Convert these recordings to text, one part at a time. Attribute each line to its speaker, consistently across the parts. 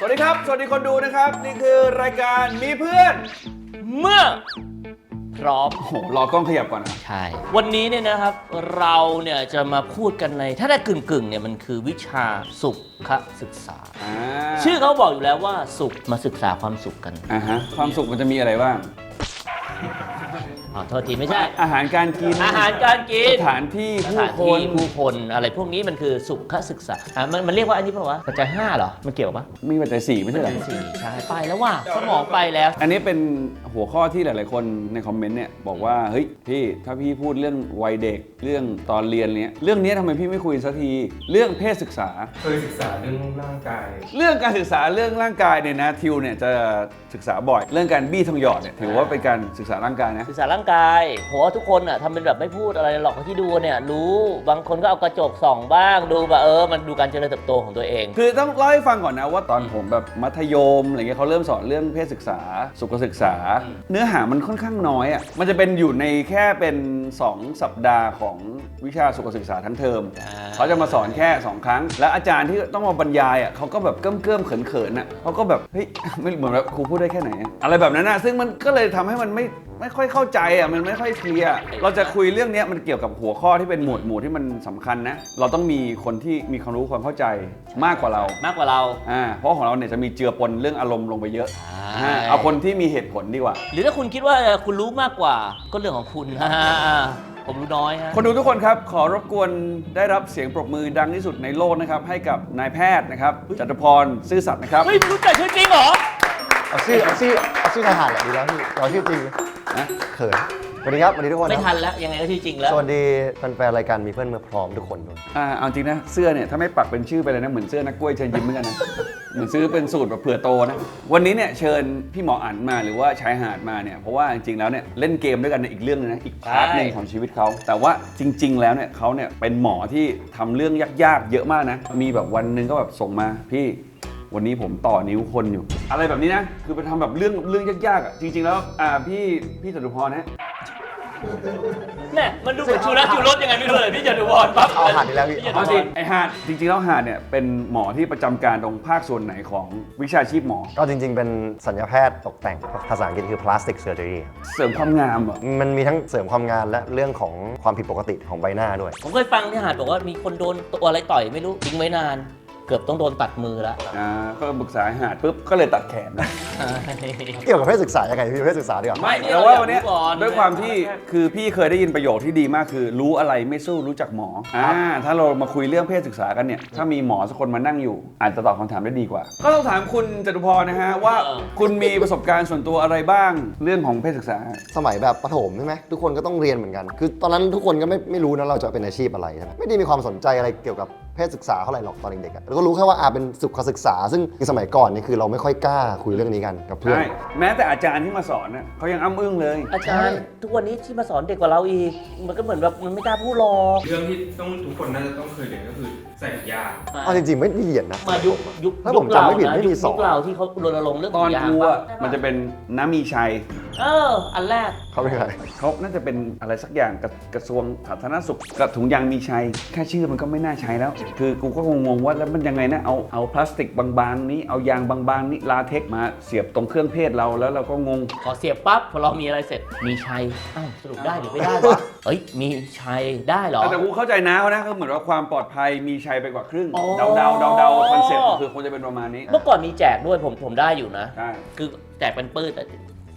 Speaker 1: วัสดีครับสวัสดีคนดูนะครับนี่คือรายการมีเพื่อน
Speaker 2: เมื่อพร้อม
Speaker 1: โอ้โหรอกล้องขยับก่อนนะ
Speaker 2: ใช่วันนี้เนี่ยนะครับเราเนี่ยจะมาพูดกันในถ้าได้กึ่งเนี่ยมันคือวิชาสุขศึกษาชื่อเขาบอกอยู่แล้วว่าสุขมาศึกษาความสุขกัน
Speaker 1: ความสุขมันจะมีอะไรบ้าง
Speaker 2: โทษทีไม่ใช่
Speaker 1: อาหารการกินสถานที่
Speaker 2: ผู้คนอะไรพวกนี้มันคือสุขศึกษามันเรียกว่าอันนี้เปล่าวะปัจจัย5เหรอมันเกี่ยวปะ
Speaker 1: มีปัจจัย4ไม่ใช่เหรอ
Speaker 2: 4ใช่ไปแล้วว่ะสมองไปแล้ว
Speaker 1: อันนี้เป็นหัวข้อที่หลายๆคนในคอมเมนต์เนี่ยบอกว่าเฮ้ยพี่ถ้าพี่พูดเรื่องวัยเด็กเรื่องตอนเรียนเนี้ยเรื่องนี้ทำไมพี่ไม่คุยสักทีเรื่องเพศศึกษา
Speaker 3: เคยศึกษาเรื่องร่างกาย
Speaker 1: เรื่องการศึกษาเรื่องร่างกายเนี่ยนะทิวเนี่ยจะศึกษาบ่อยเรื่องการบี้ทองหยอดเนี่ยถือว่าเป็นการศึกษาร่างกายนะ
Speaker 2: ศึกษาร่างกายผมว่าทุกคนอ่ะทำเป็นแบบไม่พูดอะไรหรอกที่ดูเนี่ยรู้บางคนก็เอากระจกส่องบ้างดูแบบมันดูการเจริญเติบโตของตัวเอง
Speaker 1: คือต้องเล่าให้ฟังก่อนนะว่าตอนผมแบบมัธยมอะไรเงี้ยเขาเริ่มสอนเรื่องเพศศึกษาสุขศึกษาเนื้อหามันค่อนข้างน้อยอ่ะมันจะเป็นอยู่ในแค่เป็น2สัปดาห์ของวิชาสุขศึกษาทั้งเทอมเขาจะมาสอนแค่2ครั้งและอาจารย์ที่ต้องมาบรรยายอ่ะเขาก็แบบเกิ้มเขินๆอ่ะเขาก็แบบเฮ้ยไม่เหมือนแบบครูพูดได้แค่ไหนอะไรแบบนั้นนะซึ่งมันก็เลยทำให้มันไม่ค่อยเข้าใจอ่ะมันไม่ค่อยเคลียร์เราจะคุยเรื่องนี้มันเกี่ยวกับหัวข้อที่เป็นหมวดที่มันสำคัญนะเราต้องมีคนที่มีความรู้ความเข้าใจมากกว่าเราเพราะของเราเนี่ยจะมีเจือปนเรื่องอารมณ์ลงไปเยอะเอาคนที่มีเหตุผลดีกว่า
Speaker 2: หรือถ้าคุณคิดว่าคุณรู้มากกว่าก็เรื่องของคุณผมรู้น้อยฮะ
Speaker 1: คนดูทุกคนครับขอรบกวนได้รับเสียงปรบมือดังที่สุดในโลกนะครับให้กับนายแพทย์นะครับจตุพรซื่อสัตย์นะครับ
Speaker 2: เฮ้ยรู้จักชื่อจริงเหรอ
Speaker 4: เอาชื่อทหารแหละดีแล้วพี่เอาชื่อจริงนะเขินสวัสดีครับสวัสดีทุกคน
Speaker 2: ไม่ทันแล้วยังไงก็ชื่อจริงแล้ว
Speaker 4: สวัสดีแฟนๆรายการมีเพื่อนเมื่อพร้อมทุกคนด้วย
Speaker 1: เอาจริงนะเสื้อเนี่ยถ้าไม่ปักเป็นชื่อไปเลยนะเหมือนเสื้อนักกล้วยเชิญยิ้มเหมือนกันนะเหมือนซื้อเป็นสูตรแบบเผื่อโตนะวันนี้เนี่ยเชิญพี่หมออั๋นมาหรือว่าชายหาดมาเนี่ยเพราะว่าจริงๆแล้วเนี่ยเล่นเกมด้วยกันในอีกเรื่องนึงนะอีกพาร์ทนึงของชีวิตเขาแต่ว่าจริงๆแล้วเนี่ยเขาเนี่ยเป็นหมอที่ทำเรื่องยากๆเยอะมากนะมีแบบวันนึงก็แบบส่งมาพี่วันนี้ผมต่อนิ้วคนอยู่อะไรแบบนี้นะคือไปทำแบบเรื่องยากๆอ่ะจริงๆแล้วพี่จตุพรนะ
Speaker 2: เนี่ยมันดูเหมือนชูรักชูรสยังไงไม่รู้เลยพี่จตุพรปั๊บ
Speaker 4: เอาหาดอีกแล้วพี่
Speaker 1: เอาสิไอหาดจริงๆแล้วหาดเนี่ยเป็นหมอที่ประจำการตรงภาคส่วนไหนของวิชาชีพหมอ
Speaker 4: ก็จริงๆเป็นศัลยแพทย์ตกแต่งภาษาอังกฤษคือ plastic surgery
Speaker 1: เสริมความงามเหรอ
Speaker 4: มันมีทั้งเสริมความงามและเรื่องของความผิดปกติของใบหน้าด้วย
Speaker 2: ผมเคยฟังที่หาดบอกว่ามีคนโดนตัวอะไรต่อยไม่รู้ทิ้งไว้นานเกือบต้องโดนตัดมือแล้ว
Speaker 1: ก็ปรึกษาหาดปุ๊บก็เลยตัดแขน
Speaker 4: เกี่ยวกับเพศศึกษายังไงพี่เพศศึกษาดีกว่า
Speaker 1: ไม่แต่ว่าวันนี้ด้วยความที่คือพี่เคยได้ยินประโยคที่ดีมากคือรู้อะไรไม่สู้รู้จักหมอถ้าเรามาคุยเรื่องเพศศึกษากันเนี่ยถ้ามีหมอสักคนมานั่งอยู่อาจจะตอบคำถามได้ดีกว่าก็ต้องถามคุณจตุพรนะฮะว่าคุณมีประสบการณ์ส่วนตัวอะไรบ้างเรื่องของเพศศึกษา
Speaker 4: สมัยแบบประถมใช่ไหมทุกคนก็ต้องเรียนเหมือนกันคือตอนนั้นทุกคนก็ไม่รู้นะเราจะเป็นอาชีพอะไรใช่ไหมไม่ได้มีความสนใจอะไรเกี่ยวกับเพศศึกษาเท่าไหร่หรอกตอนเด็กๆแล้วก็รู้แค่ว่าเป็นสุขศึกษาซึ่งในสมัยก่อนนี่คือเราไม่ค่อยกล้าคุยเรื่องนี้กันกับเพื่อน
Speaker 1: แม้แต่อาจารย์ที่มาสอนเนี่ยเขายังอ้ำอึ้งเลย
Speaker 2: อาจารย์ทุกวันนี้ที่มาสอนเด็กกว่าเราอีกมันก็เหมือนแบบมันไม่กล้าพูดหรอก
Speaker 3: เรื่องที่ต้องทุกคนน่าจะต้องเคยเรียนก็คือใส่ยา
Speaker 4: จริงๆไม่ได้เรียนนะ
Speaker 2: มายุค
Speaker 4: ถ้าผมจำไม่ผิดไม่มีสอน
Speaker 2: เราที่เขารณรงค์เรื่อง
Speaker 1: ตอนกูมันจะเป็นน้ำมีชัย
Speaker 2: อันแรก
Speaker 4: เขาเป็นใคร
Speaker 1: เขาน่าจะเป็นอะไรสักอย่างกระทรวงสาธารณสุขกับถุงยางมีชัยแค่ชื่อมันก็ไม่น่าใช้แล้วคือกูก็งงว่าแล้วมันยังไงนะเอาพลาสติกบางๆนี้เอายางบางๆนี้ลาเทคมาเสียบตรงเครื่องเพศเราแล้วเราก็งง
Speaker 2: พอเสียบปั๊บพอเรามีอะไรเสร็จมีชัยสรุปได้หรือไม่ได้วะเฮ้ยมีชัยได้เหรอ
Speaker 1: แต่กูเข้าใจนะเขานะก็เหมือนว่าความปลอดภัยมีชัยไปกว่าครึ่งเดาคอนเซ็ปต์คือคงจะเป็นประมาณนี้
Speaker 2: เมื่อก่อนมีแจกด้วยผมได้อยู่นะ
Speaker 1: ใช่
Speaker 2: คือแจกเป็นปื้ดแต่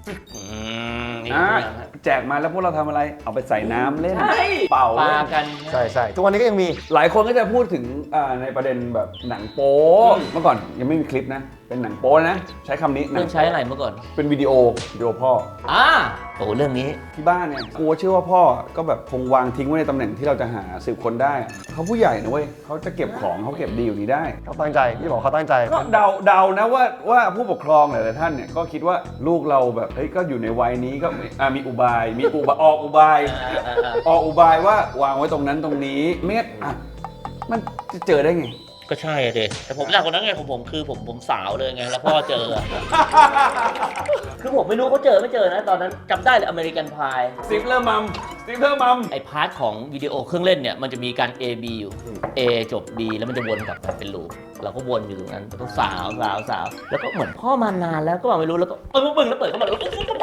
Speaker 1: แจกมาแล้วพวกเราทำอะไรเอาไปใส่น้ำเล่นเป่า
Speaker 2: กัน
Speaker 4: ใช่ทุกวันนี้ก็ยังมี
Speaker 1: หลายคนก็จะพูดถึงในประเด็นแบบหนังโป๊เมื่อก่อนยังไม่มีคลิปนะเป็นหนังโป๊นะใช้คำนี้
Speaker 2: เรื่องใช้อะไรเมื่อก่อน
Speaker 1: เป็นวิดีโอพ่อ
Speaker 2: โอ้เรื่องนี้
Speaker 1: ที่บ้านเนี่ยกูเชื่อว่าพ่อก็แบบคงวางทิ้งไว้ในตำแหน่งที่เราจะหาสืบค้นได้เขาผู้ใหญ่นะเว้ยเขาจะเก็บของเขาเก็บดีอยู่นี้ได้
Speaker 4: เขาตั้งใจพี่บอกเขาตั้งใจ
Speaker 1: ก็เดานะว่าผู้ปกครองหลายๆท่านเนี่ยก็คิดว่าลูกเราแบบเฮ้ยก็อยู่ในวัยนี้ก็มีอุบายออกอุบายว่าวางไว้ตรงนั้นตรงนี้ไม่งั้นมันจะเจอได้ไง
Speaker 2: ก็ใช่เลยแต่ผมอยากคนนั้นไงของผมคือผมสาวเลยไงแล้วพ่อเจอคือผมไม่รู้เขาเจอไม่เจอนะตอนนั้นจำได้เลยอเมริกันพาย
Speaker 1: ซิปเลอร์มัมซิงเกิลมัม
Speaker 2: ไอ้พาร์ทของวิดีโอเครื่องเล่นเนี่ยมันจะมีการ A B อยู่ A จบ B แล้วมันจะวนกลับมาเป็นลูปเราก็วนอยู่ตรงนั้นแล้วก็สาวแล้วก็เหมือนพ่อมานานแล้วก็มาไม่รู้แล้วก็ปึ้งแล้วเปิดเข้ามาแล้ว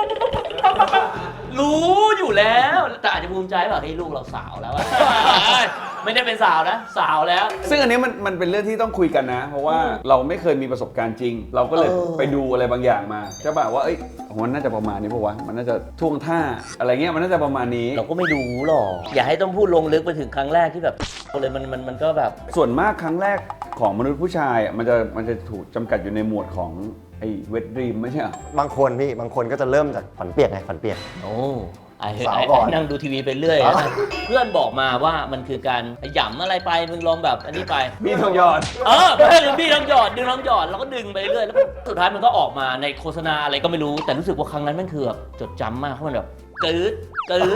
Speaker 2: รู้อยู่แล้วแต่อาจจะภูมิใจแบบเฮ้ยลูกเราสาวแล้วอะ ไม่ได้เป็นสาวนะสาวแล้ว
Speaker 1: ซึ่งอันนี้มันเป็นเรื่องที่ต้องคุยกันนะ เพราะว่าเราไม่เคยมีประสบการณ์จริง เราก็เลยไปดูอะไรบางอย่างมาใช่ป่ะว่าเอ้ยมันน่าจะประมาณนี้ป่ะวะมันน่าจะท่วงท่าอะไรเงี้ยมันน่าจะประมาณนี้
Speaker 2: เราก็ไม่รู้หรอกอย่าให้ต้องพูดลงลึกไปถึงครั้งแรกที่แบบเลยมันก็แบบ
Speaker 1: ส่วนมากครั้งแรกของมนุษย์ผู้ชายมันจะถูกจำกัดอยู่ในหมวดของไอ้เวทดรีมไม่ใช่เหรอบ
Speaker 4: างคนก็จะเริ่มจากฝันเปียกไงฝันเปียก
Speaker 2: โอ้ไอ้
Speaker 4: สาวก่อน
Speaker 2: นั่งดูทีวีไปเรื่อย เพื่อนบอกมาว่ามันคือการหย่ำอะไรไปมึงลองแบบอันนี้ไป
Speaker 1: มีทองหยอด
Speaker 2: เพื่อนหรือพี่ลองหยอดดึงลองหยอดแล้วก็ดึงไปเรื่อยแล้วสุดท้ายมันก็ออกมาในโฆษณาอะไรก็ไม่รู้แต่รู้สึกว่าครั้งนั้นมันคือแบบจดจำมากเพราะมันแบบกึด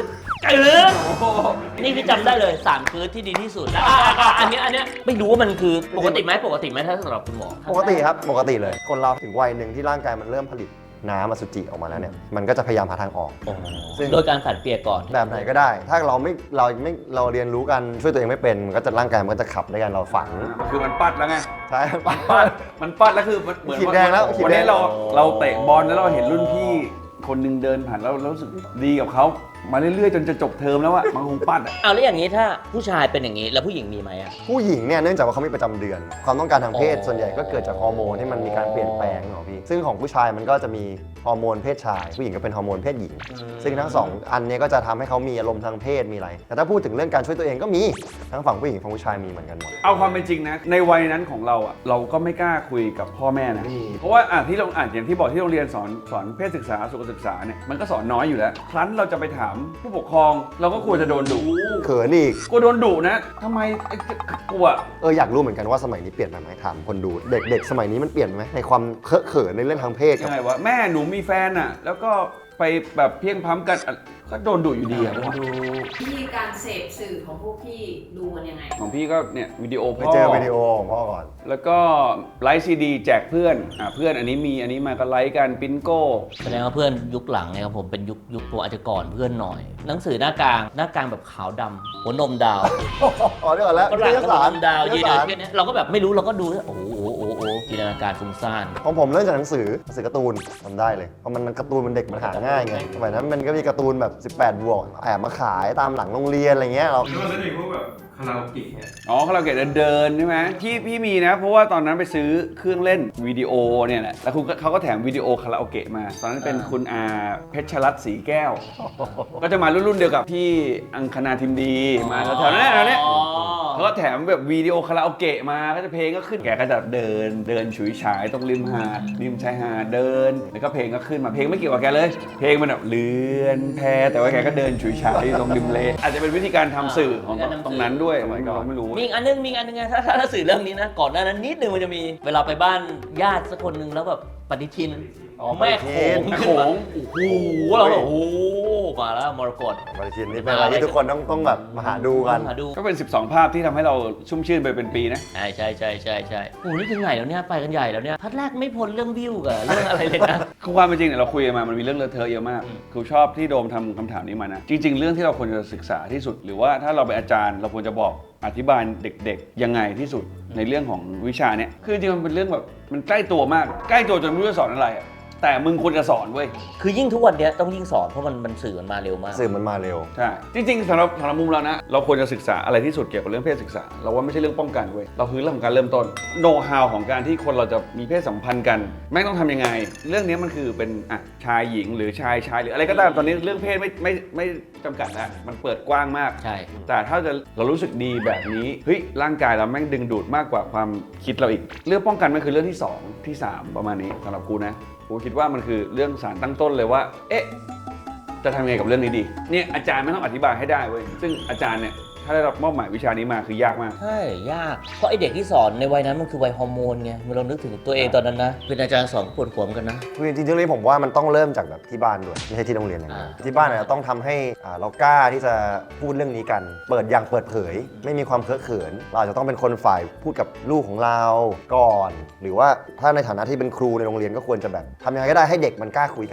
Speaker 2: นี่คือจำได้เลย3กึดที่ดีที่สุดแล้วอันเนี้ยไม่รู้ว่ามันคือปกติไหมถ้าสำหรับคุณหมอ
Speaker 4: ปกติครับปกติเลย คนเราถึงวัยหนึ่งที่ร่างกายมันเริ่มผลิตน้ำอสุจิออกมาแล้วเนี่ยมันก็จะพยายามหาทางออก ซึ่ง
Speaker 2: โดยการฝันเปียกก่อน
Speaker 4: แบบไหนก็ได้ ถ้าเราเรียนรู้กันช่วยตัวเองไม่เป็นมันก็จะร่างกายมันก็จะขับด้วยกันเราฝัน
Speaker 1: คือมันปัดแล้วไง
Speaker 4: ใช่
Speaker 1: มันปัดแล้วคือมันเหมือน
Speaker 4: ขีดแดงแล้วขีด
Speaker 1: วัน
Speaker 4: แด
Speaker 1: นี้
Speaker 4: ง
Speaker 1: เราเตะบอลแล้วเราเห็นรุ่นพี่คนหนึงเดินผ่านแล้วเรารู้สึกดีกับเขามาเรื่อยๆจนจะจบเทอมแล้วอะมันคงปัดอะ
Speaker 2: เอาแล้วอย่างนี้ถ้าผู้ชายเป็นอย่างนี้แล้วผู้หญิงมีไหมอะ
Speaker 4: ผู้หญิงเนี่ยเนื่องจากว่าเขามีประจำเดือน ความต้องการทางเพศ
Speaker 2: อ๋อ
Speaker 4: ส่วนใหญ่ก็เกิดจากฮอร์โมนที่มันมีการเปลี่ยนแปลงเนาะพี่ซึ่งของผู้ชายมันก็จะมีฮอร์โมนเพศชาย ผู้หญิงก็เป็นฮอร์โมนเพศหญิง ซึ่งทั้งสองอันเนี้ก็จะทำให้เขามีอารมณ์ทางเพศมีอะไรแต่ถ้าพูดถึงเรื่องการช่วยตัวเองก็มีทั้งฝั่งผู้หญิงฝั่งผู้ชายมีเหมือนกันหมด
Speaker 1: เอาความเป็นจริงนะ ในวัยนั้นของเราอะเราก็ไม่กล้าคุยกับพ่อแม่นะ
Speaker 4: ไม่มี
Speaker 1: เพราะว่าที่เราอย่างที่บอกที่โรงเรียนสอนเพศศึกษาสุขศึกษาเนี่ยมันก็สอนน้อยอยู่แล้วครั้นเราจะไปถามผู้ปกครอง เราก็กลัวจะโดนดุ
Speaker 4: เขินอีก
Speaker 1: กลัวโดนดุนะทำไมกลัว
Speaker 4: อยากรู้เหมือนกันว่าสมัยนี้เปลี่ยนไปไหมถามคนดูเด็กสมัยนี้มันเปลี่ยนไหมในความเคอะเขินในเรื่องทางเพศกั
Speaker 1: ยั
Speaker 4: บ
Speaker 1: งไงวะแม่หนูมีแฟนอะแล้วก็ไปแบบเพียงพร้ำกันก็โดนดุอยู่ดีอะ
Speaker 5: วิธีการเสพสื่อของพวกพี่ดูมันยังไง
Speaker 1: ของพี่ก็เนี่ยวิดีโอ
Speaker 4: ไป
Speaker 1: พ่อ
Speaker 4: เจอวิดีโอของพ่อก่อน
Speaker 1: แล้วก็ไลฟ์ซีดีแจกเพื่อนเพื่อนอันนี้มีอันนี้มาก็ไลฟ์กันปินโก้
Speaker 2: แสดงว่าเพื่อนยุคหลังเนี่ยครับผมเป็นยุคผมอาจจะก่อนเพื่อนหน่อย หนังสือหน้ากลางแบบขาวดำหัวนมดาว
Speaker 4: อ๋อเดี๋ยวก่อนแล้ว
Speaker 2: ฝรั่ง
Speaker 4: นิตย
Speaker 2: ก็
Speaker 4: สาร
Speaker 2: นมดาว
Speaker 4: นิ
Speaker 2: ยื
Speaker 4: ต
Speaker 2: น
Speaker 4: ย
Speaker 2: อยู่
Speaker 4: สาร
Speaker 2: แค่นี้เราก็แบบไม่รู้เราก็ดูโอ้โหจินตนาการฟุ้งซ่าน
Speaker 4: ของผมเริ่มจากหนังสือการ์ตูนทำได้เลยเพราะมันการ์ตูนมันเด็กมันหาง่ายไงสมัยนั้นมันก็มีการ์ตูนแบบ18 บวกแอบมาขายตามหลังโรงเรียนอะไรเงี้ยเรา
Speaker 3: หรือว่าจะเป็นพวกแบบคาราโอเกะเนี่ย
Speaker 1: อ๋อคาราโอเกะเดินใช่ไหมพี่มีนะ เพราะว่าตอนนั้นไปซื้อเครื่องเล่นวิดีโอเนี่ยแหละแล้วเขาก็แถมวิดีโอคาราโอเกะมา ตอนนั้นเป็นคุณอาเพชรรัตน์ศรีแก้ว ก็จะมารุ่นเดียวกับพี่อังคณาทิมดีมาแถวๆนั้นแถวๆนี้เขาก็แถมแบบวิดีโอคาราโอเกะมาก็จะเพลงก็ขึ้นแกก็จะเดินฉุยฉายตรงริมหาดริมชายหาดเดินแล้วก็เพลงก็ขึ้นมาเพลงไม่เกี่ยวกับแกเลย เพลงมันแบบเลือนแพแต่ว่าแกก็เดินฉุยฉายตรงริมเลอาจจะเป็นวิธีการทำสื่อของตรงนั้นด้วยเราไม่รู้
Speaker 2: มีอีกอันนึงไงถ้าสื่อเรื่องนี้นะก่อนหน้านั้นนิดนึงมันจะมีเวลาไปบ้านญาติสักคนนึงแล้วแบบปฏิทิน
Speaker 4: อ๋อ
Speaker 2: แม่โขง
Speaker 1: แม่โขง
Speaker 2: โอ้โหเราแบบโอ้โหมาแล้วมรกต
Speaker 4: ปฏิทินนี่เป็นอะไรที่ทุกคนต้องแบบมาหาดูกัน
Speaker 2: มาดู
Speaker 1: ก็เป็น 12 ภาพที่ทำให้เราชุ่มชื่นไปเป็นปีนะ
Speaker 2: ใช่โอ้โหนี่ถึงไหนแล้วเนี่ยไปกันใหญ่แล้วเนี่ยพัดแรกไม่พ้นเรื่องวิวกับเรื่องอะไรเลยนะ
Speaker 1: คือความเป็นจริงเนี่ยเราคุยกันมามันมีเรื่องเลอะเทอะเยอะมากครูชอบที่โดมทำคำถามนี้มานะ จริง ๆ เรื่องที่เราควรจะศึกษาที่สุด หรือว่าถ้าเราเป็นอาจารย์เราควรจะบอกอธิบายเด็กๆยังไงที่สุดในเรื่องของวิชาเนี่ยคือจริงๆมันเป็นเรื่องแบบมันใกล้ตัวมาก ใกล้ตัวจนไม่รู้จะสอนอะไรอะแต่มึงควรจะสอนเว้ย
Speaker 2: คือยิ่งทุกวันเนี้ยต้องยิ่งสอนเพราะมันสื่อมันมาเร็วมาก
Speaker 4: สื่อมันมาเร็ว
Speaker 1: ใช่ จริงๆสำหรับมุมเรานะ เราควรจะศึกษาอะไรที่สุดเกี่ยวกับเรื่องเพศศึกษา เราว่าไม่ใช่เรื่องป้องกันเว้ย เราคือเรื่องของการเริ่มต้นโน้ตฮาวของการที่คนเราจะมีเพศสัมพันธ์กันแม่งต้องทำยังไง เรื่องนี้มันคือเป็นชายหญิงหรือชายหรืออะไรก็ตามตอนนี้เรื่องเพศไม่จำกัดแล้วมันเปิดกว้างมาก
Speaker 2: ใช่
Speaker 1: แต่ถ้าเรารู้สึกดีแบบนี้เฮ้ยร่างกายเราแม่งดึงดูดมากกว่าความคิดเราอีก เรื่องป้องกันมันคือเรื่องที่2ที่3ประมาณนี้สำหรับกูนะกูคิดว่ามันคือเรื่องสารตั้งต้นเลยว่าเอ๊ะจะทำยังไงกับเรื่องนี้ดีเนี่ยอาจารย์ไม่ต้องอธิบายให้ได้เว้ยซึ่งอาจารย์เนี่ยถ้าได้รับมอบหมายวิชานี้มาคือยากมาก
Speaker 2: ใช่ยากเพราะไอเด็กที่สอนในวัยนั้นมันคือวัยฮอร์โมนไงเรานึกถึงตัวเองตอนนั้นนะเป็นอาจารย์สอนปวดหัวเหมือนกันนะ
Speaker 4: คือจริงๆเรื่องนี้ผมว่ามันต้องเริ่มจากแบบที่บ้านด้วยไม่ใช่ที่โรงเรียนอย่างเดียวที่บ้านเนี่ยต้องทำให้เรากล้าที่จะพูดเรื่องนี้กัน เปิดอย่างเปิดเผย ไม่มีความเคอะเขินเราอาจจะต้องเป็นคนฝ่ายพูดกับลูกของเราก่อน หรือว่าถ้าในฐานะที่เป็นครูในโรงเรียนก็ควรจะแบบทำยังไงก็ได้ให้เด็กมันกล้าคุยกัน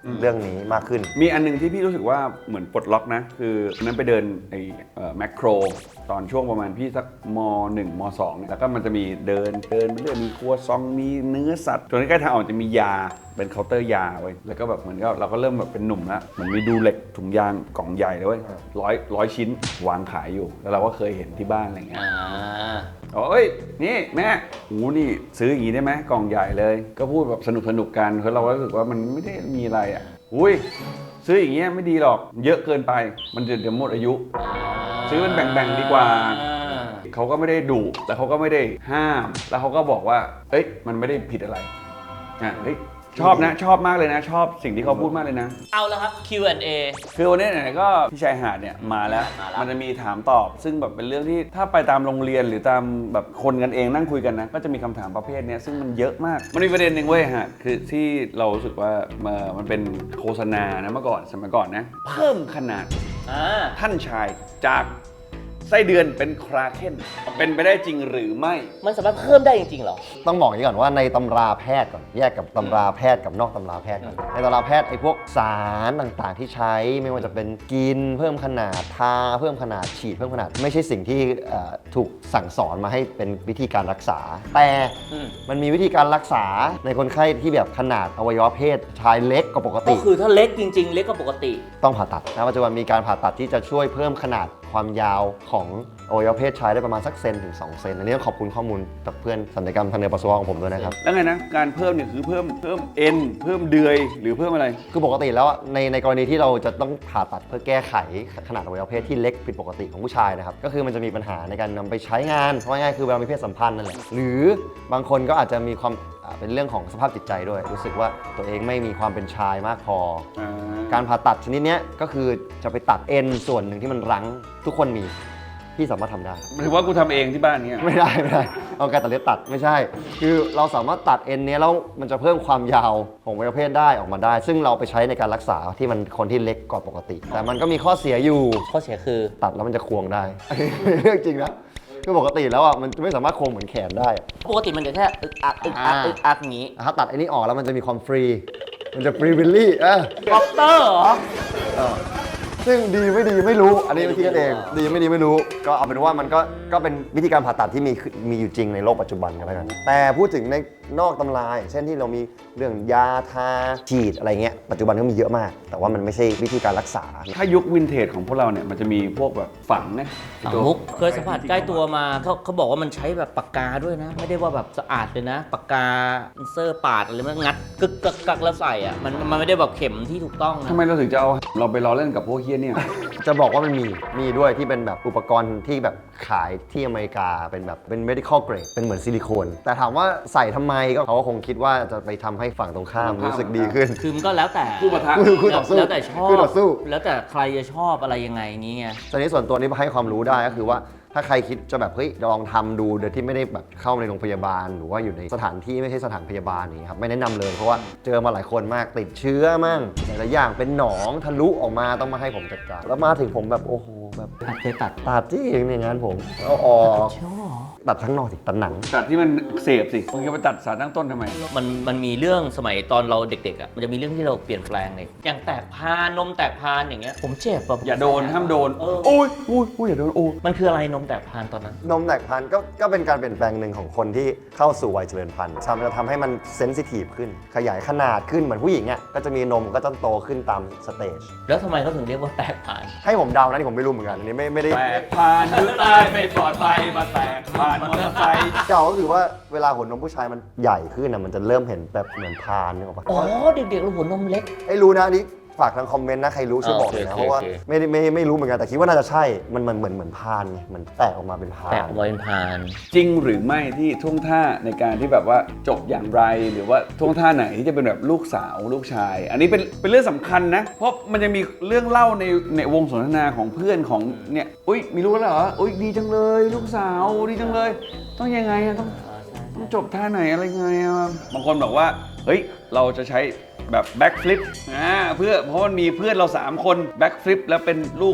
Speaker 4: เรื่องนี้มากขึ้น
Speaker 1: มีอันนึงที่พี่รู้สึกว่าเหมือนปลดล็อกนะ คือนั้นไปเดินไอ้แมคโครตอนช่วงประมาณพี่สักม1ม2เนี่ยแล้วก็มันจะมีเดินไปเรื่อยมีครัวซองมีเนื้อสัตว์จนใกล้ทางออกจะมียาเป็นเคาน์เตอร์ยาไว้ยแล้วก็แบบเหมือนก็เราก็เริ่มแบบเป็นหนุ่มแล้วเหมือนมีดูเหล็กถุงยางกล่องใหญ่เลยเว้ยร้อยชิ้นวางขายอยู่ แล้วเราก็เคยเห็นที่บ้านอะไรเงี้ย โอ้ยนี่แม่โอ้นี่ซื้ออย่างงี้ได้ไหมกล่องใหญ่เลย ก็พูดแบบสนุกกันเพราะเรารู้สึกว่ามันไม่ได้มีอะไรอ่ะอุ้ยซื้ออย่างเงี้ยไม่ดีหรอกเยอะเกินไปมันจะเดี๋ยวหมดอายุ ซื้อเป็นแบ่งๆดีกว่าเขาก็ไม่ได้ดุแล้วเขาก็ไม่ได้ห้ามแล้วเขาก็บอกว่าเอ้ยมันไม่ได้ผิดอะไรเฮ้ยชอบนะชอบมากเลยนะ ชอบสิ่งที่เขาพูดมากเลยนะ
Speaker 2: เอาแล้วครับ Q&A
Speaker 1: คือวันนี้ไหนๆก็ที่ชายหาดเนี่ยมาแล้ว มันจะมีถามตอบ ซึ่งแบบเป็นเรื่องที่ถ้าไปตามโรงเรียนหรือตามแบบคนกันเองนั่งคุยกันนะก็จะมีคำถามประเภทนี้ซึ่งมันเยอะมากมันมีประเด็นหนึ่งเว้ยฮะคือที่เรารู้สึกว่ามันเป็นโฆษณานะเมื่อก่อนสมัยก่อนนะเพิ่มขนาดท่านชายจากไส้เดือนเป็นคราเคนเป็นไปได้จริงหรือไม่
Speaker 2: มันสามารถเพิ่มได้จริงๆเหรอ
Speaker 4: ต้องบอกอย่างนี้ก่อนว่าในตำราแพทย์ก่อนแยกกับตำราแพทย์กับนอกตำราแพทย์ก่อนในตำราแพทย์ไอ้พวกสารต่างๆที่ใช้ไม่ว่าจะเป็นกินเพิ่มขนาดทาเพิ่มขนาดฉีดเพิ่มขนาดไม่ใช่สิ่งที่ถูกสั่งสอนมาให้เป็นวิธีการรักษา แต่มันมีวิธีการรักษาในคนไข้ที่แบบขนาดอวัยวะเพศชายเล็กกว่าปก
Speaker 2: ก็
Speaker 4: ติ
Speaker 2: คือถ้าเล็กจริง ๆ เล็กกว่าปกติ
Speaker 4: ต้องผ่าตัดนะปัจจุบันมีการผ่าตัดที่จะช่วยเพิ่มขนาดความยาวของอวัยวะเพศชายได้ประมาณสักเซนถึง2 เซนอันนี้ต้องขอบคุณข้อมูลจากเพื่อนศัลยกรรมทางเดินปัสสาวะของผมด้วยนะครับ
Speaker 1: แล้วไงนะการเพิ่มเนี่ยคือเพิ่มเอ็นเพิ่มเดือยหรือเพิ่มอะไร
Speaker 4: คือปกติแล้วในกรณีที่เราจะต้องผ่าตัดเพื่อแก้ไขขนาดอวัยวะเพศที่เล็กผิดปกติของผู้ชายนะครับก็คือมันจะมีปัญหาในการนำไปใช้งานเพราะง่ายๆคือเวลามีเพศสัมพันธ์นั่นแหละหรือบางคนก็อาจจะมีความเป็นเรื่องของสภาพจิตใจด้วยรู้สึกว่าตัวเองไม่มีความเป็นชายมากพอ การผ่าตัดชนิดนี้ก็คือจะไปตัดเอ็นส่วนหนึ่งที่มันรั้งทุกคนมีพี่สามารถทำได้
Speaker 1: หรือว่ากูทำเองที่บ้านเนี่ย
Speaker 4: ไม่ได้เอาการตัดเล็บตัดไม่ใช่ คือเราสามารถตัดเอ็นเนี้ยแล้วมันจะเพิ่มความยาวของอวัยวะเพศได้ออกมาได้ ซึ่งเราไปใช้ในการรักษาที่มันคนที่เล็กกว่าปกติ แต่มันก็มีข้อเสียอยู่
Speaker 2: ข้อเสียคือ
Speaker 4: ตัดแล้วมันจะควงได้ อันนี้เรื่องจริงนะคือปกติแล้วอ่ะมันไม่สามารถควงเหมือนแขนได้
Speaker 2: ปกติมันจะแค่อึกอักอย่างนี้
Speaker 4: ถ้าตัดไอ้นี่ออกแล้วมันจะมีความฟรีมันจะฟรีวิลลี่
Speaker 2: ด็อกเตอร์เหรอ
Speaker 4: ซึ่งดีไม่ดีไม่รู้ อันนี้ไม่คิดกันเอง ดีไม่ดีไม่รู้ ก็เอาเป็นว่ามันก็เป็นวิธีการผ่าตัดที่มีอยู่จริงในโลกปัจจุบันกันแล้วกันแต่พูดถึงในนอกตำราอย่างเช่นที่เรามีเรื่องยาทาฉีดอะไรเงี้ยปัจจุบันก็มีเยอะมาก แต่ว่ามันไม่ใช่วิธีการรักษา
Speaker 1: ถ้ายุควินเทจของพวกเราเนี่ยมันจะมีพวกแบบฝังนะ
Speaker 2: มุกเคยสัมผัสใกล้ตัวมาเขาบอกว่ามันใช้แบบปากกาด้วยนะ ไม่ได้ว่าแบบสะอาดเลยนะปากกาเซอร์ปาดอะไรมันงัดกึกกักแล้วใส่อ่ะมันไม่ได้แบบเข็มที่ถูกต้องนะ
Speaker 1: ทำไมเราถึงจะเอาเราไปล้อเล่นกับพวกเฮี้ยเนี่ย
Speaker 4: จะบอกว่ามันมีด้วยที่เป็นแบบอุปกรณ์ที่แบบขายที่อเมริกาเป็นแบบเป็น medical grade เป็นเหมือนซิลิโคนแต่ถามว่าใส่ทำไมก็เขาก็คงคิดว่าจะไปทำให้ฝั่งตรงข้ามรู้สึกดีขึ้น
Speaker 2: คือมันก็แล้วแต่
Speaker 1: คู่ปะทะ
Speaker 4: คู่ต่อสู้
Speaker 2: แล้วแต่ชอบ
Speaker 4: คู่ต่อสู้
Speaker 2: แล้วแต่ใครจะชอบอะไรยังไงอย่างงี้ไง
Speaker 4: ตอนนี้ส่วนตัวนี้ให้ความรู้ได้ก็คือว่าถ้าใครคิดจะแบบเฮ้ยลองทำดูโดยที่ไม่ได้แบบเข้าในโรงพยาบาล หรือว่าอยู่ในสถานที่ไม่ใช่สถานพยาบาลนี้ครับไม่แนะนำเลยเพราะว่าเจอมาหลายคนมากติดเชื้อมั่งหลายๆอย่างเป็นหนองทะลุออกมาต้องมาให้ผมจัดการแล้วมาถึงผมแบบโอ้โหแบบ
Speaker 2: เคยตัด
Speaker 4: ตัดที่ในงานผมเอาออก
Speaker 2: ชอบ
Speaker 4: ตัดทั้งนอกสิตัดหนัง
Speaker 1: ตัดที่มันเสพสิมึงจะไปตัดสารตั้งต้นทำไม
Speaker 2: มันมีเรื่องสมัยตอนเราเด็กๆอ่ะมันจะมีเรื่องที่เราเปลี่ยนแปลงเลยอย่างแตกพานนมแตกพานอย่างเงี้ยผมเจ็บแบบ
Speaker 1: อย่าโดนห้ามโดน
Speaker 2: โอ้
Speaker 1: โอ้ยอย่าโดนโอ้
Speaker 2: มันคืออะไรนมแตกพานตอนนั้น
Speaker 4: นมแตกพันธุ์ก็เป็นการเปลี่ยนแปลงหนึ่งของคนที่เข้าสู่วัยเจริญพันธุ์จะทำให้มันเซนซิทีฟขึ้น ขยายขนาดขึ้นเหมือนผู้หญิงอ่ะก็จะมีนมก็จะโตขึ้นตามสเตจ
Speaker 2: แล้วทำไมเขาถึงเรียกว่าแตกพาน
Speaker 4: ให้ผมเดานะที่ผมไม่รู้เหมือนกันอันนี้ไม่ได้
Speaker 1: แตกผ่านหรือตายไม่ปลอดภัยมาแตกผ่านมอเตอร์ไซค์
Speaker 4: เดาก็คือว่าเวลาหัวนมผู้ชายมันใหญ่ขึ้นนะมันจะเริ่มเห็นแบบเหมือนพานนึกออกปะ
Speaker 2: อ๋อเด็กๆเราหัวนมเล็ก
Speaker 4: ไอ้รู้นะอันนี้ฝากทางคอมเมนต์นะใครรู้ช่วยบอกเลยนะ
Speaker 2: โอเค
Speaker 4: เพราะว่า
Speaker 2: โอเค
Speaker 4: ไม่รู้เหมือนกันแต่คิดว่าน่าจะใช่มันเหมือนพานไงมันแตกออกมาเป็นพา
Speaker 2: แตก
Speaker 4: น
Speaker 2: ออกมาเป็นพาน
Speaker 1: จริงหรือไม่ที่ท่วงท่าในการที่แบบว่าจบอย่างไรหรือว่าท่วงท่าไหนที่จะเป็นแบบลูกสาวลูกชาย อันนี้เป็นเรื่องสำคัญนะ เพราะมันจะมีเรื่องเล่าในวงสนทนาของเพื่อนของเนี่ยอุ้ยมีลูกแล้วเหรออุ้ยดีจังเลยลูกสาวดีจังเลย ต้องยังไงอะต้องจบท่าไหนอะไรไงอะบางคนบอกว่าเฮ้ยเราจะใช้แบบแบ็กฟลิปเพราะมันมีเพื่อนเรา3 คนแบ็กฟลิปแล้วเป็นลูกเพ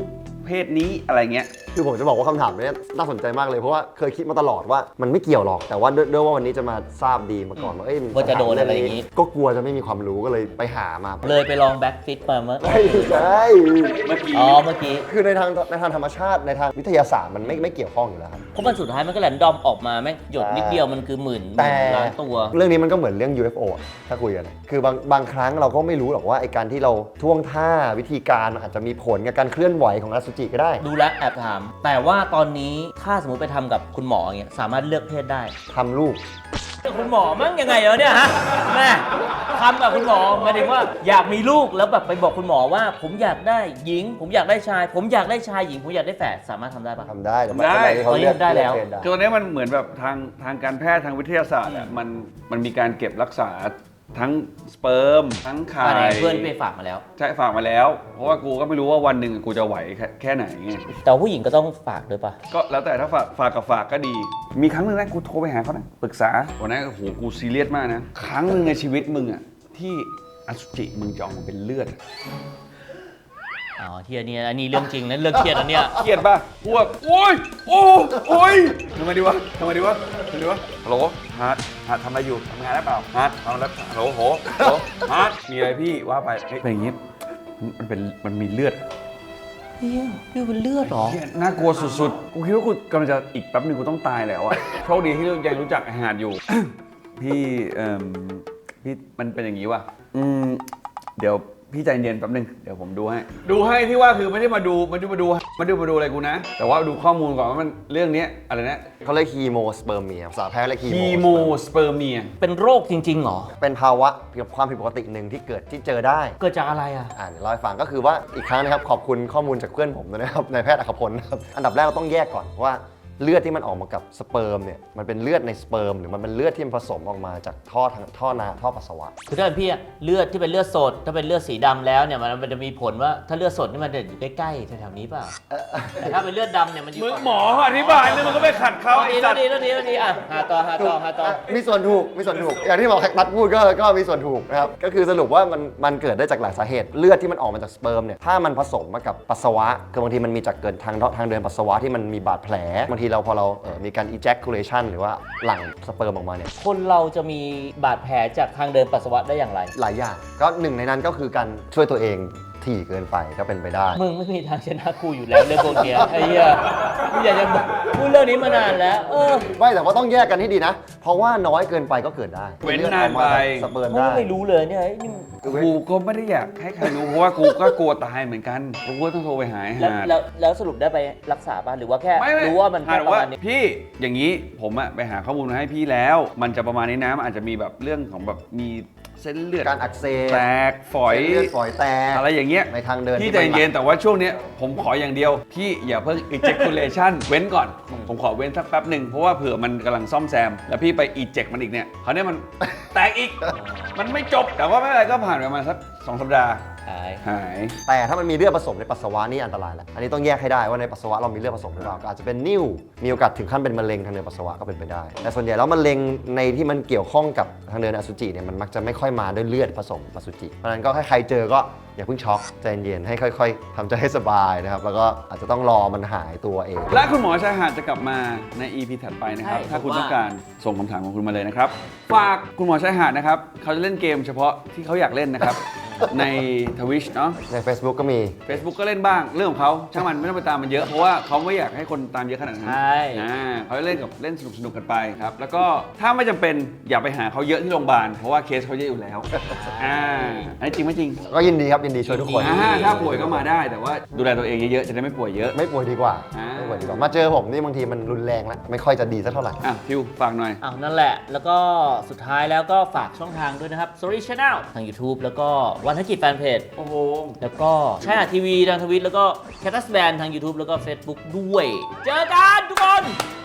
Speaker 1: เพศนี้อะไรเงี้ย
Speaker 4: คือผมจะบอกว่าคำถามนี้น่าสนใจมากเลยเพราะว่าเคยคิดมาตลอดว่ามันไม่เกี่ยวหรอกแต่ว่าด้วยว่าวันนี้จะมาทราบดีมาก่อนว่ามัน
Speaker 2: ว่าจะโดนอะไรอย่างงี้
Speaker 4: ก็กลัวจะไม่มีความรู้ก็เลยไปหามา
Speaker 2: เลยไปลองแบ็กฟิตมาเมื่อ
Speaker 4: ไม่ใช่
Speaker 1: เมื่อกี้
Speaker 2: อ๋อเมื่อกี้
Speaker 4: คือในทางธรรมชาติในทางวิทยาศาสตร์มันไม่เกี่ยวข้องอยู่แล้วครับ
Speaker 2: เพราะมันสุดท้ายมันก็แรนดอมออกมาแม่งหยดนิดเดียวมันคือหมื่น
Speaker 4: แต่
Speaker 2: ล้านตัว
Speaker 4: เรื่องนี้มันก็เหมือนเรื่อง UFO อะถ้าคุยกันคือบางครั้งเราก็ไม่รู้หรอกว่าไอการที่เราท่วงท่าวิธีการมันอาจจะมีผลกับการเคลื่อนไหวของอสุจิก็ได้
Speaker 2: ดูแลวแอบถาม แต่ว่าตอนนี้ถ้าสมมติไปทำกับคุณหมออย่างเงี้ยสามารถเลือกเพศได้
Speaker 4: ทำลูก
Speaker 2: คุณหมอมั่งยังไงเหรอเนี่ยฮะแม่ทำกับคุณหมอหมายถึงว่าอยากมีลูกแล้วแบบไปบอกคุณหมอว่า ผมอยากได้หญิง ผมอยากได้ชาย ผมอยากได้ชายหญิงผมอยากได้แฝดสามารถทำได้ปะ
Speaker 4: ทำได้แต่
Speaker 1: ได้
Speaker 4: เขาเลือก
Speaker 2: ได้แล้ว
Speaker 4: เลือกเพศได้
Speaker 1: คือตอนนี้มันเหมือนแบบทางการแพทย์ทางวิทยาศาสตร์อ่ะมันมีการเก็บรักษาทั้งสเปิร์มทั้งไข่
Speaker 2: เพื่อนไปฝากมาแล้ว
Speaker 1: ใช่ฝากมาแล้ว เพราะว่ากูก็ไม่รู้ว่าวันหนึ่งกูจะไหวแค่ไหนไง
Speaker 2: แต่ผู้หญิงก็ต้องฝากด้วยปะ
Speaker 1: ก็แล้วแต่ถ้าฝากกับฝากก็ดี มีครั้งหนึ่งนะกูโทรไปหาเขาหน่อยปรึกษาวันนั้นโอ้โหกูซีเรียสมากนะ ครั้งหนึ่งในชีวิตมึงอ่ะที่อสุจิมึงจะออกมาเป็นเลือด
Speaker 2: อ๋อที่อันนี้เรื่องจริงนะเรื่องเครียดอันเนี้ย
Speaker 1: เครียดป่ะกูแบบโอ๊ยโอ้ยทำไมดีวะฮัลโหลฮาร์ดทำอะไรอยู่ทำงานได้เปล่าฮาร์ดทำอะไรฮัลโหลฮาร์ดมีอะไรพี่ว่าไปเฮ้ยเป็นอย่างงี้มันมีเลือด
Speaker 2: เฮ้ยนี่เป็นเลือดเหรอ
Speaker 1: เหี้ยน่ากลัวสุดๆ กูคิดว่ากูกำลังจะอีกแป๊บนึงกูต้องตายแล้วอะโชคดีที่ยังรู้จักอาหารอยู่ พี่พี่มันเป็นอย่างนี้ว่ะเดี๋ยวพี่ใจเย็นแป๊บนึงเดี๋ยวผมดูให้ที่ว่าคือไม่ได้มาดูอะไรกูนะ แต่ว่าดูข้อมูลก่อนว่ามันเรื่องนี้อะไรนะ
Speaker 4: เขาเรียกฮีโมสเปิร์เมียภาษาแพทย์เรียกฮี
Speaker 1: ฮี
Speaker 4: โม
Speaker 1: โมสเปอร์เมีย
Speaker 2: เป็นโรคจริงๆเหรอ
Speaker 4: เป็นภาวะเกี่ยวกับความผิดปกติหนึ่งที่เจอได้
Speaker 2: เกิดจากอะไรอ่ะ
Speaker 4: เดี๋ยวเล่าให้ฟังก็คือว่าอีกครั้งนะครับขอบคุณข้อมูลจากเพื่อนผมด้วยนะครับนายแพทย์อัครพลนะครับอันดับแรกเราต้องแยกก่อนว่าเลือดที่มันออกมากับสเปิร์มเนี่ยมันเป็นเลือดในสเปิร์มหรือมันเป็นเลือดที่มันผสมออกมาจากท่อปัสสาวะ
Speaker 2: คือถ้าเป็นพี่อะเลือดที่เป็นเลือดสด ถ้าเป็นเลือดสีดำแล้วเนี่ยมันจะมีผลว่าถ้าเลือดสดนี่มันจะอยู่ใกล้ๆแถวๆนี้เปล่าแต่ถ้าเป็นเลือดดำเนี่ยมันอยู่
Speaker 1: มึงหมออธิบายเลยมึงก็ไปขัดเขาไอ้สัตว์
Speaker 2: ดีอ่ะหาต่อ
Speaker 4: มีส่วนถูกอย่างที่หมอแขกนัดพูดก็มีส่วนถูกนะครับก็คือสรุปว่ามันเกิดได้จากหลายสาเหตุเลือดที่มันออกมาจากสเปิร์มเนี่ยถ้ามันผสมมากับปัสสาวะคือบางทีมันมีจากเกิดทางเดินปัสสาวะที่มันมีบาดแผลบางทีพอเรามีการ ejaculation หรือว่าหลั่งสเปิร์มออกมาเนี่ย
Speaker 2: คนเราจะมีบาดแผลจากทางเดินปัสสาวะได้อย่างไร
Speaker 4: หลายอย่างก็หนึ่งในนั้นก็คือการช่วยตัวเองถี่เกินไปก็เป็นไปได้
Speaker 2: มึงไม่มีทางชนะกูอยู่แล้วเรื่องพวกเนี้ยไอ้เหี้ยกูอยากจะพูดเรื่องนี้มานานแล้ว
Speaker 4: ไม่แต่ว่าต้องแยกกันให้ดีนะ เพราะว่าน้อยเกินไปก็เกิดได้
Speaker 1: เว้นนานไป
Speaker 4: สเปิร์ม
Speaker 2: ไม่
Speaker 4: ได้
Speaker 2: ไม่รู้เลยเนี่ยนี่
Speaker 1: กูก็ไม่ได้อยากให้ใครรู้เพราะว่ากูก็กลัวตายเหมือนกันกูก็ต้องโทรไปหาไอ้
Speaker 2: แล้ว
Speaker 1: หาด
Speaker 2: แล้วสรุปได้ไปรักษาป่ะหรือว่าแค่รู้ว่ามัน
Speaker 1: หา
Speaker 2: แค่
Speaker 1: ด
Speaker 2: ประ
Speaker 1: ว่า
Speaker 2: มาณนี้
Speaker 1: พี่อย่างนี้ผมอะไปหาข้อมูลมาให้พี่แล้ว มันจะประมาณนี้นะมันอาจจะมีแบบเรื่องของแบบมีเส้นเลือด
Speaker 4: การอักเสบ
Speaker 1: แตกฝอย
Speaker 4: เลือดฝอยแตก
Speaker 1: อะไรอย่างเงี้ย
Speaker 4: ในทางเดิน
Speaker 1: พี่
Speaker 4: ที่
Speaker 1: ใจ
Speaker 4: มัน
Speaker 1: เย็นแต่ว่าช่วงเนี้ยผมขออย่างเดียวพี่อย่าเพิ่ง ejaculation เว้นก่อน ผมขอเว้นสักแป๊บหนึ่งเพราะว่าเผื่อมันกำลังซ่อมแซม แล้วพี่ไป eject มันอีกเนี่ยคราวเนี้ยมัน แตกอีก มันไม่จบแต่ว่าไม่เป็นไรก็ผ่านไปประมาณสัก2 สัปดาห์ หาย
Speaker 4: แต่ถ้ามันมีเลือดผสมในปัสสาวะนี่อันตรายแล้วอันนี้ต้องแยกให้ได้ว่าในปัสสาวะเรามีเลือดผสมหรือเปล่าก็อาจจะเป็นนิ่วมีโอกาสถึงขั้นเป็นมะเร็งทางเดินปัสสาวะก็เป็นไปได้แต่ส่วนใหญ่แล้วมะเร็งในที่มันเกี่ยวข้องกับทางเดินอสุจิเนี่ยมันมักจะไม่ค่อยมาด้วยเลือดผสมอสุจิเพราะฉะนั้นก็ใครเจอก็อย่าเพิ่งช็อกใจเย็นให้ค่อยๆทำใจให้สบายนะครับแล้วก็อาจจะต้องรอมันหายตัวเอง
Speaker 1: และคุณหมอชายหาดจะกลับมาใน EP ถัดไปนะครับ
Speaker 2: ใช่
Speaker 1: ถ้าคุณ
Speaker 2: ผมว่า
Speaker 1: ต้องการส่งคำถามของคุณมาเลยนะครับ ฝากคุณหมอชายหาดนะครับ เขาจะเล่นเกมเฉพาะที่เขาอยากเล่นนะครับ ใน Twitch เนาะ
Speaker 4: ใน Facebook ก็มี
Speaker 1: Facebook ก็เล่นบ้างเรื่องของเขาช่างมันไม่ต้องไปตามมันเยอะ เพราะว่าเขาไม่อยากให้คนตามเยอะขนาดนั้น
Speaker 2: ใช่
Speaker 1: เขาจะเล่นสนุกกันไปครับ แล้วก็ถ้าไม่จำเป็นอย่าไปหาเขาเยอะที่โรงพยาบาลเพราะว่าเคสเขาเยอะอยู่แล้วอันนี้จริงไม่จริง
Speaker 4: ก็ยินดีครับยินดีช่วยทุกคน
Speaker 1: ถ้าป่วยก็มาได้แต่ว่าดูแลตัวเองเยอะๆจะได้ไม่ป่วยเยอะ
Speaker 4: ไม่ป่วยดีกว่า
Speaker 1: อ่า
Speaker 4: ไม่ป่วยดีกว่ามาเจอผมนี่บางทีมันรุนแรงแล้วไม่ค่อยจะดีสักเท่าไหร่
Speaker 1: ทิวฝากหน่อย
Speaker 2: อ้าวนั่นแหละ แล้วก็สุดท้ายแล้วก็ฝากช่องทางด้วยนะครับ Story Channel ทาง YouTube แล้วก็วันธกิจแฟนเพจ
Speaker 1: โอ้โห
Speaker 2: แล้วก็ใช่ทีวีทางทวิตแล้วก็แคทสแบนทาง YouTube แล้วก็ Facebook ด้วย เจอกันทุกคน